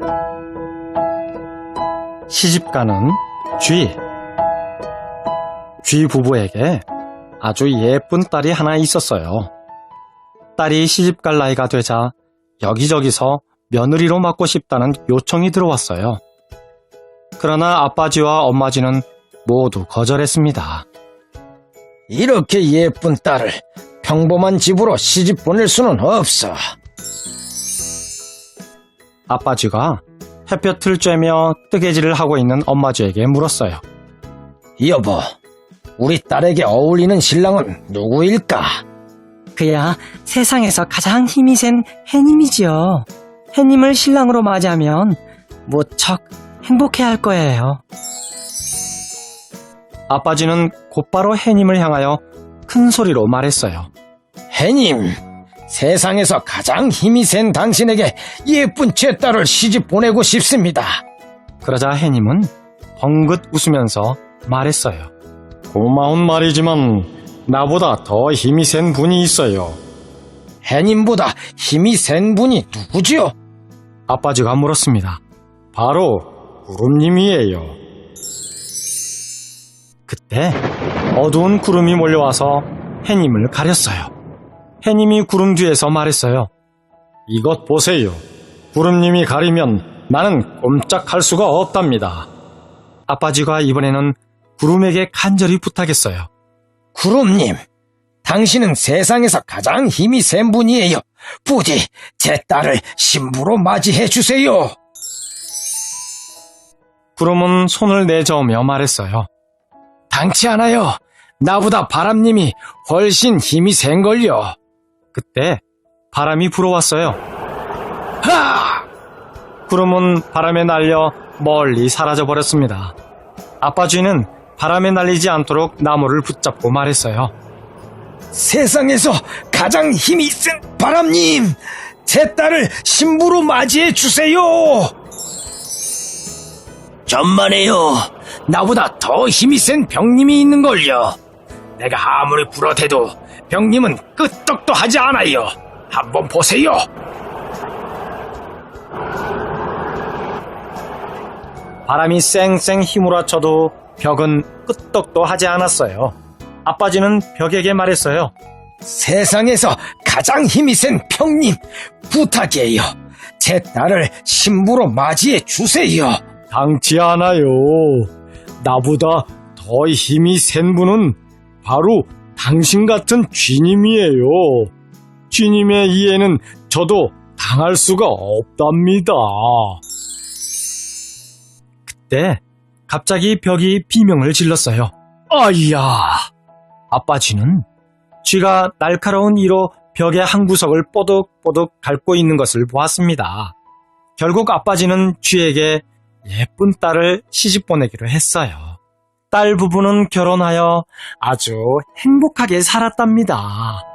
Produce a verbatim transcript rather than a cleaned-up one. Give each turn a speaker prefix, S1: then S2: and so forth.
S1: 시집가는 쥐. 쥐 부부에게 아주 예쁜 딸이 하나 있었어요. 딸이 시집갈 나이가 되자 여기저기서 며느리로 맡고 싶다는 요청이 들어왔어요. 그러나 아빠쥐와 엄마쥐는 모두 거절했습니다.
S2: 이렇게 예쁜 딸을 평범한 집으로 시집 보낼 수는 없어.
S1: 아빠쥐가 햇볕을 쬐며 뜨개질을 하고 있는 엄마쥐에게 물었어요.
S2: 여보, 우리 딸에게 어울리는 신랑은 누구일까?
S3: 그야 세상에서 가장 힘이 센 해님이지요. 해님을 신랑으로 맞이하면 무척 행복해할 거예요.
S1: 아빠쥐는 곧바로 해님을 향하여 큰 소리로 말했어요.
S2: 해님, 세상에서 가장 힘이 센 당신에게 예쁜 제 딸을 시집 보내고 싶습니다.
S1: 그러자 해님은 벙긋 웃으면서 말했어요. 고마운 말이지만 나보다 더 힘이 센 분이 있어요.
S2: 해님보다 힘이 센 분이 누구지요?
S1: 아빠쥐가 물었습니다. 바로 구름님이에요. 그때 어두운 구름이 몰려와서 해님을 가렸어요. 해님이 구름 뒤에서 말했어요. 이것 보세요. 구름님이 가리면 나는 꼼짝할 수가 없답니다. 아빠쥐가 이번에는 구름에게 간절히 부탁했어요.
S2: 구름님, 당신은 세상에서 가장 힘이 센 분이에요. 부디 제 딸을 신부로 맞이해 주세요.
S1: 구름은 손을 내저으며 말했어요.
S2: 당치 않아요. 나보다 바람님이 훨씬 힘이 센걸요.
S1: 그때 바람이 불어왔어요.
S2: 하!
S1: 구름은 바람에 날려 멀리 사라져버렸습니다. 아빠쥐는 바람에 날리지 않도록 나무를 붙잡고 말했어요.
S2: 세상에서 가장 힘이 센 바람님, 제 딸을 신부로 맞이해 주세요. 전만해요. 나보다 더 힘이 센 병님이 있는걸요. 내가 아무리 불어대도 병님은 끄떡도 하지 않아요. 한번 보세요.
S1: 바람이 쌩쌩 휘몰아쳐도 벽은 끄떡도 하지 않았어요. 아빠쥐는 벽에게 말했어요.
S2: 세상에서 가장 힘이 센 병님, 부탁이에요. 제 딸을 신부로 맞이해 주세요.
S1: 당치 않아요. 나보다 더 힘이 센 분은 바로 당신 같은 쥐님이에요. 쥐님의 이해는 저도 당할 수가 없답니다. 그때 갑자기 벽이 비명을 질렀어요. 아이야! 아빠쥐는 쥐가 날카로운 이로 벽의 한 구석을 뽀득뽀득 밟고 있는 것을 보았습니다. 결국 아빠쥐는 쥐에게 예쁜 딸을 시집 보내기로 했어요. 딸 부부는 결혼하여 아주 행복하게 살았답니다.